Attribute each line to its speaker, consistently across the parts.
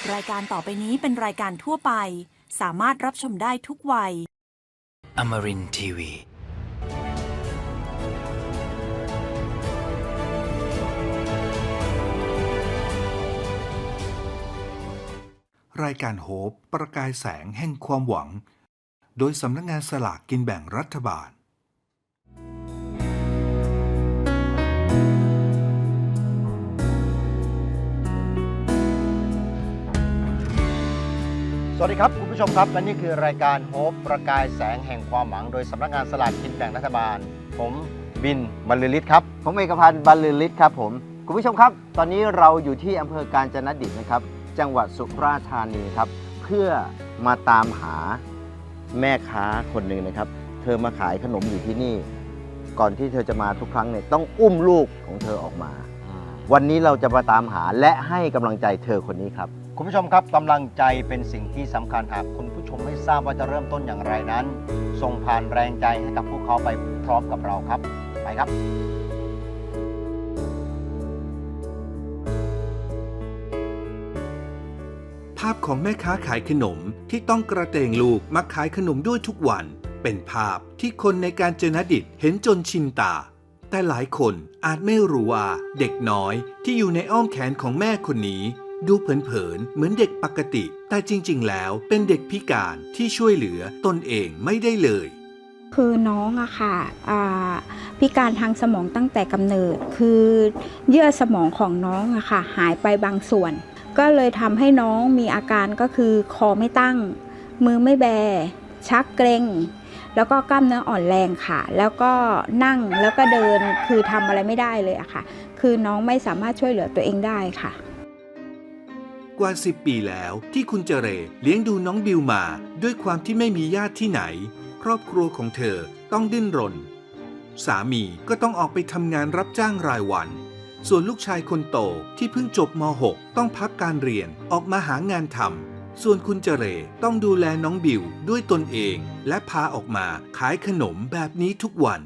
Speaker 1: รายการต่อไปนี้เป็นรายการทั่วไปสามารถรับชมได้ทุกวัย
Speaker 2: Amarin Tiwi
Speaker 3: รายการโฮปประกายแสงแห่งความหวังโดยสำนักงานสลากกินแบ่งรัฐบาล
Speaker 4: สวัสดีครับคุณผู้ชมครับและนี่คือรายการโฮปประกายแสงแห่งความหวังโดยสำนักงานสลากกินแบ่งรัฐบาลผมบินบรรลือฤทธิ์ครับผมเอกพันธ์บรรลือฤทธิ์ครับผมคุณผู้ชมครับตอนนี้เราอยู่ที่อำเภอกาญจนดิตนะครับจังหวัดสุราษฎร์ธานีครับเพื่อมาตามหาแม่ค้าคนหนึ่งนะครับเธอมาขายขนมอยู่ที่นี่ก่อนที่เธอจะมาทุกครั้งเนี่ยต้องอุ้มลูกของเธอออกมาวันนี้เราจะมาตามหาและให้กำลังใจเธอคนนี้ครับคุณผู้ชมครับกำลังใจเป็นสิ่งที่สำคัญหากคุณผู้ชมไม่ทราบว่าจะเริ่มต้นอย่างไรนั้นส่งผ่านแรงใจให้กับพวกเขาไปพร้อมกับเราครับไปครับ
Speaker 3: ภาพของแม่ค้าขายขนมที่ต้องกระเตงลูกมาขายขนมด้วยทุกวันเป็นภาพที่คนในกาญจนดิตเห็นจนชินตาแต่หลายคนอาจไม่รู้ว่าเด็กน้อยที่อยู่ในอ้อมแขนของแม่คนนี้ดูเผินๆเหมือนเด็กปกติแต่จริงๆแล้วเป็นเด็กพิการที่ช่วยเหลือตนเองไม่ได้เลย
Speaker 5: คือน้องอะค่ะพิการทางสมองตั้งแต่กำเนิดคือเยื่อสมองของน้องอะค่ะหายไปบางส่วนก็เลยทำให้น้องมีอาการก็คือคอไม่ตั้งมือไม่แบชักเกร็งแล้วก็กล้ามเนื้ออ่อนแรงค่ะแล้วก็นั่งแล้วก็เดินคือทำอะไรไม่ได้เลยอะค่ะคือน้องไม่สามารถช่วยเหลือตัวเองได้ค่ะ
Speaker 3: กว่า10 ปีแล้วที่คุณเจเรเลี้ยงดูน้องบิวมาด้วยความที่ไม่มีญาติที่ไหนครอบครัวของเธอต้องดิ้นรนสามีก็ต้องออกไปทำงานรับจ้างรายวันส่วนลูกชายคนโตที่เพิ่งจบม.6 ต้องพักการเรียนออกมาหางานทำส่วนคุณเจเรต้องดูแลน้องบิวด้วยตนเองและพาออกมาขายขนมแบบนี้ทุกวัน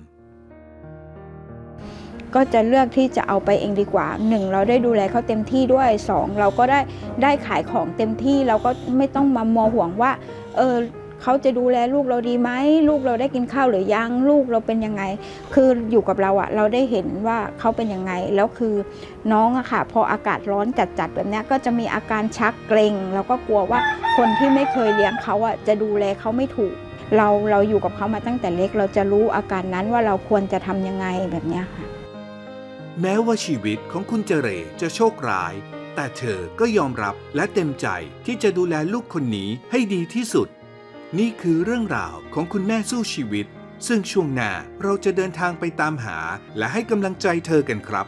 Speaker 5: ก็จะเลือกที่จะเอาไปเองดีกว่า1เราได้ดูแลเขาเต็มที่ด้วย2เราก็ได้ขายของเต็มที่เราก็ไม่ต้องมามัวห่วงว่าเขาจะดูแลลูกเราดีไหมลูกเราได้กินข้าวหรือยังลูกเราเป็นยังไงคืออยู่กับเราอะเราได้เห็นว่าเขาเป็นยังไงแล้วคือน้องอะค่ะพออากาศร้อนจัดแบบนี้ก็จะมีอาการชักเกร็งแล้วก็กลัวว่าคนที่ไม่เคยเลี้ยงเขาอะจะดูแลเขาไม่ถูกเราอยู่กับเขามาตั้งแต่เล็กเราจะรู้อาการนั้นว่าเราควรจะทำยังไงแบบนี้ค่ะ
Speaker 3: แม้ว่าชีวิตของคุณเจเรจะโชคร้ายแต่เธอก็ยอมรับและเต็มใจที่จะดูแลลูกคนนี้ให้ดีที่สุดนี่คือเรื่องราวของคุณแม่สู้ชีวิตซึ่งช่วงหน้าเราจะเดินทางไปตามหาและให้กำลังใจเธอกันครับ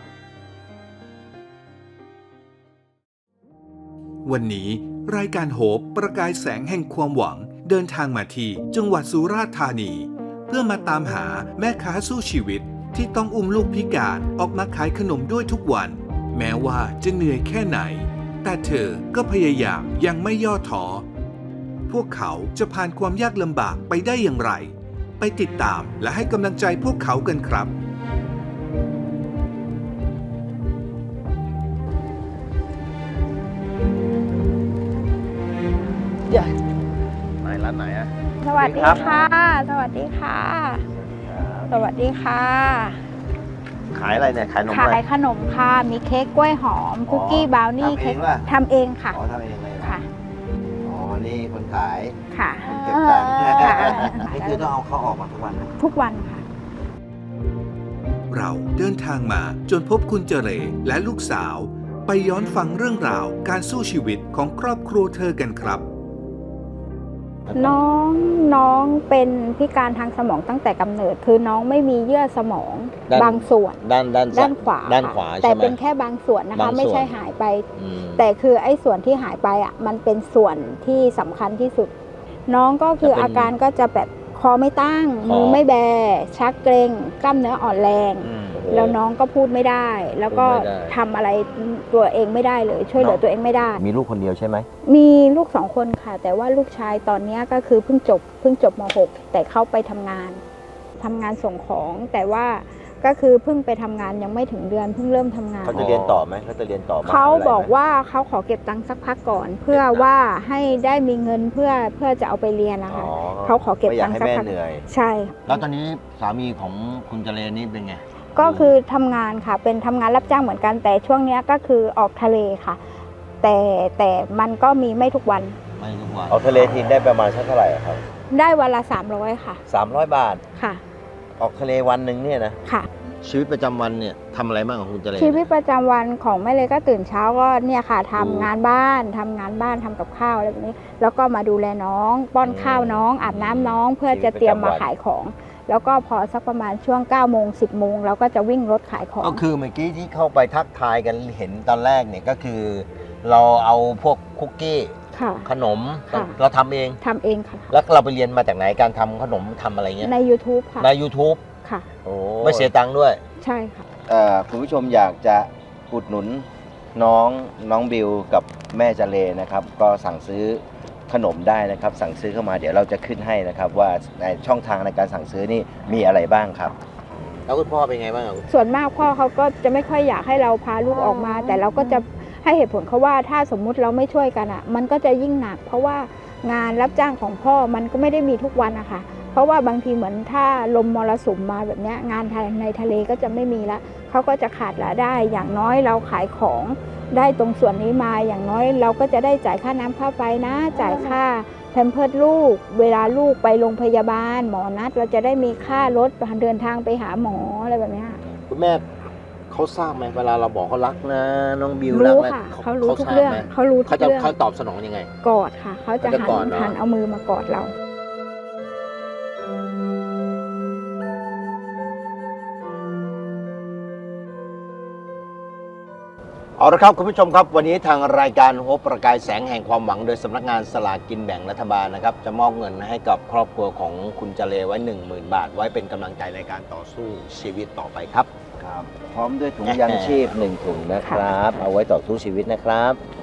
Speaker 3: วันนี้รายการโฮปประกายแสงแห่งความหวังเดินทางมาที่จังหวัดสุราษฎร์ธานีเพื่อมาตามหาแม่ค้าสู้ชีวิตที่ต้องอุ้มลูกพิการออกมาขายขนมด้วยทุกวันแม้ว่าจะเหนื่อยแค่ไหนแต่เธอก็พยายามยังไม่ย่อท้อพวกเขาจะผ่านความยากลำบากไปได้อย่างไรไปติดตามและให้กำลังใจพวกเขากันครับ
Speaker 4: ไหนร้านไหนอะ
Speaker 5: สวัสดีค่ะสวัสดีค่ะสวัสดีค่ะ
Speaker 4: ขายอะไรเนี่ยขายขนมอะไร
Speaker 5: ขายขนมค่ะมีเค้กกล้วยหอมคุกกี้บราวนี่เค้กทำเองค่ะ
Speaker 4: ทำเองเลย
Speaker 5: ค่ะ
Speaker 4: อ๋อนี่คนขาย
Speaker 5: ค่ะ
Speaker 4: เก็บตังค์นี่คือต้องเอาเขาออกมาทุกวันนะ
Speaker 5: ทุกวันค่ะ
Speaker 3: เราเดินทางมาจนพบคุณเจเรและลูกสาวไปย้อนฟังเรื่องราวการสู้ชีวิตของครอบครัวเธอกันครับ
Speaker 5: น้องเป็นพิการทางสมองตั้งแต่กำเนิดคือน้องไม่มีเยื่อสมองบางส่วนด้านขวาแต่เป็นแค่บางส่วนนะคะไม่ใช่หายไปแต่คือไอ้ส่วนที่หายไปอ่ะมันเป็นส่วนที่สำคัญที่สุดน้องก็คืออาการก็จะแบบคอไม่ตั้งมือไม่แบชักเกร็งกล้ามเนื้ออ่อนแรงแล้วน้องก็พูดไม่ได้แล้วก็ทำอะไรตัวเองไม่ได้เลยช่วยเหลือตัวเองไม่ได้
Speaker 4: มีลูกคนเดียวใช่ไหม
Speaker 5: มีลูก2 คนค่ะแต่ว่าลูกชายตอนนี้ก็คือเพิ่งจบม.6 แต่เข้าไปทำงานส่งของแต่ว่าก็ก็คือเพิ่งไปทำงานยังไม่ถึงเดือนเพิ่งเริ่มทำงาน
Speaker 4: เขาจะเรียนต่อไหมเขาจะเรียนต่อมหาวิทยาลัยไหม
Speaker 5: เขาบอกว่าเขาขอเก็บตังค์สักพักก่อน เพื่อว่าให้ได้มีเงินเพื่อจะเอาไปเรียนนะคะ
Speaker 4: อ๋อ
Speaker 5: เขาขอเก็บ
Speaker 4: ไม่อยา
Speaker 5: ตั
Speaker 4: ก
Speaker 5: งค์
Speaker 4: ให้
Speaker 5: สัก
Speaker 4: แม่
Speaker 5: พัก
Speaker 4: เหนื่อย
Speaker 5: ใช่
Speaker 4: แล้วตอนนี้สามีของคุณเจริญนี่เป็นไง
Speaker 5: ก็คือทำงานค่ะเป็นทำงานรับจ้างเหมือนกันแต่ช่วงเนี้ยก็คือออกทะเลค่ะ แต่มันก็มีไม่ทุกวัน
Speaker 4: ไม่ทุกวันเอาทะเลทีได้ประมาณสักเท่าไหร่ครับ
Speaker 5: ได้วันละ300ค่ะ
Speaker 4: 300 บาท
Speaker 5: ค่ะ
Speaker 4: ออกทะเลวันหนึ่งเนี่ยนะ
Speaker 5: ค่ะ
Speaker 4: ชีวิตประจำวันเนี่ยทำอะไรบ้างของคุณเจริญ
Speaker 5: ชีวิตประจำวันของแม่เลยก็ตื่นเช้าก็เนี่ยค่ะ
Speaker 4: อืม
Speaker 5: ทำงานบ้านทำกับข้าวอะไรแบบนี้ แล้วก็มาดูแลน้องป้อนข้าวน้องอาบน้ำน้องเพื่อจะเตรียมมาขายของ แล้วก็พอสักประมาณช่วง9โมง10โมงเราก็จะวิ่งรถขายของ
Speaker 4: ก็คือเมื่อกี้ที่เข้าไปทักทายกันเห็นตอนแรกเนี่ยก็คือ เราเอาพวกคุกกี้
Speaker 5: ค่ะ
Speaker 4: ขนม
Speaker 5: ค่ะ
Speaker 4: เราทำเอง
Speaker 5: ทำเองค่ะ
Speaker 4: แล้วเราไปเรียนมาจากไหนการทำขนมทำอะไรเงี้ย
Speaker 5: ใน YouTube ค่ะ
Speaker 4: ใน YouTube
Speaker 5: ค่ะ
Speaker 4: ไม่เสียตังค์ด้วย
Speaker 5: ใช่ค่ะ
Speaker 4: คุณผู้ชมอยากจะอุดหนุนน้องบิวกับแม่เจเลนะครับ ก็สั่งซื้อขนมได้นะครับ สั่งซื้อเข้ามาเดี๋ยวเราจะขึ้นให้นะครับ ว่าในช่องทางในการสั่งซื้อนี่มีอะไรบ้างครับ แล้วคุณพ่อเป็นไงบ้าง
Speaker 5: ส่วนมากพ่อเขาก็จะไม่ค่อยอยากให้เราพาลูกออกมา แต่เราก็จะให้เหตุผลเขาว่าถ้าสมมุติเราไม่ช่วยกันอ่ะ มันก็จะยิ่งหนัก เพราะว่างานรับจ้างของพ่อมันก็ไม่ได้มีทุกวันนะคะเพราะว่าบางทีเหมือนถ้าลมมรสุมมาแบบเนี้ยงานในทะเลก็จะไม่มีละเขาก็จะขาดรายได้อย่างน้อยเราขายของได้ตรงส่วนนี้มาอย่างน้อยเราก็จะได้จ่ายค่าน้ำค่าไฟนะ จ่ายค่าแพมเพิร์สลูก เวลาลูกไปโรงพยาบาลหมอนัดเราจะได้มีค่ารถเดินทางไปหาหมออะไรแบบเนี้ย
Speaker 4: คุณแม่เขาทราบไหมเวลาเราบอกเขารักนะน้องบิวรั
Speaker 5: รู้
Speaker 4: กนะ
Speaker 5: ค่ะเขารู้ทุกเรื่อง
Speaker 4: ทาบไหม
Speaker 5: เขารู้ทุ
Speaker 4: เขา
Speaker 5: ก
Speaker 4: จะ
Speaker 5: เรื่อง
Speaker 4: เขาตอบสนองยังไง
Speaker 5: กอดค่ะเขาจะ
Speaker 4: เขาจะกอดเหรอ
Speaker 5: หันเอามือมากอดเรา
Speaker 4: เอาละครับคุณผู้ชมครับวันนี้ทางรายการโฮปประกายแสงแห่งความหวังโดยสำนักงานสลากกินแบ่งรัฐบาลนะครับจะมอบเงินให้กับครอบครัวของคุณเจเลไว้ 10,000 บาท ไว้เป็นกำลังใจในการต่อสู้ชีวิตต่อไปครับครับ พร้อมด้วยถุงยางชีพ1ถุงนะครับ เอาไว้ต่อสู้ชีวิตนะครับ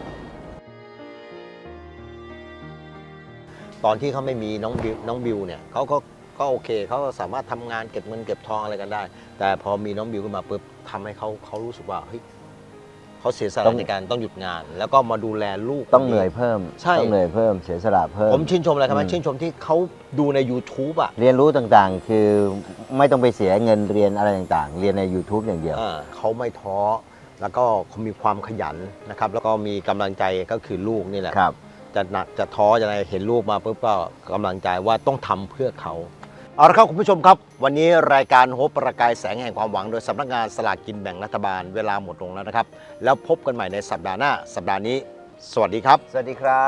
Speaker 4: ตอนที่เขาไม่มีน้องบิวเนี่ยเขาก็โอเคเขาก็สามารถทำงานเก็บเงินเก็บทองอะไรกันได้ แต่พอมีน้องบิวขึ้นมาปุ๊บทำให้เขารู้สึกว่าเฮ้ยเขาเสียสละในการต้องหยุดงาน แล้วก็มาดูแลลูก
Speaker 6: ต้องเหนื่อยเพิ่ม
Speaker 4: ใช่
Speaker 6: ต้องเหนื่อยเพิ่มเสียสละเพิ่ม
Speaker 4: ผมชื่นชมอะไรครับ
Speaker 6: อืม
Speaker 4: ชื่นชมที่เขาดูใน YouTube อ่ะ
Speaker 6: เรียนรู้ต่างๆ คือไม่ต้องไปเสียเงินเรียนอะไรต่างๆ เรียนใน YouTube อย่างเดียว
Speaker 4: เขาไม่ท้อแล้วก็เขามีความขยันนะครับแล้วก็มีกำลังใจก็คือลูกนี่แหละ
Speaker 6: ครับ
Speaker 4: จะหนักจะท้อจะอะไรเห็นลูกมาปุ๊บก็กำลังใจว่าต้องทำเพื่อเขาเอาละครับคุณผู้ชมครับ วันนี้รายการโฮปประกายแสงแห่งความหวังโดยสำนักงานสลากกินแบ่งรัฐบาลเวลาหมดลงแล้วนะครับ แล้วพบกันใหม่ในสัปดาห์หน้า สัปดาห์นี้ สวัสดีครับ
Speaker 6: สวัสดีครับ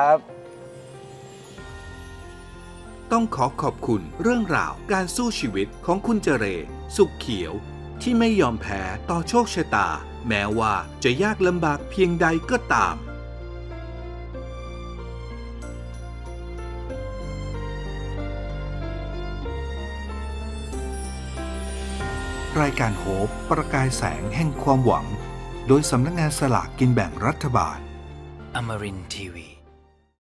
Speaker 3: ต้องขอบคุณเรื่องราวการสู้ชีวิตของคุณเจเร สุขเขียว ที่ไม่ยอมแพ้ต่อโชคชะตา แม้ว่าจะยากลำบากเพียงใดก็ตาม รายการโฮปประกายแสงแห่งความหวัง โดยสำนักงานสลากกินแบ่งรัฐบาล
Speaker 2: Amarin Tiwi.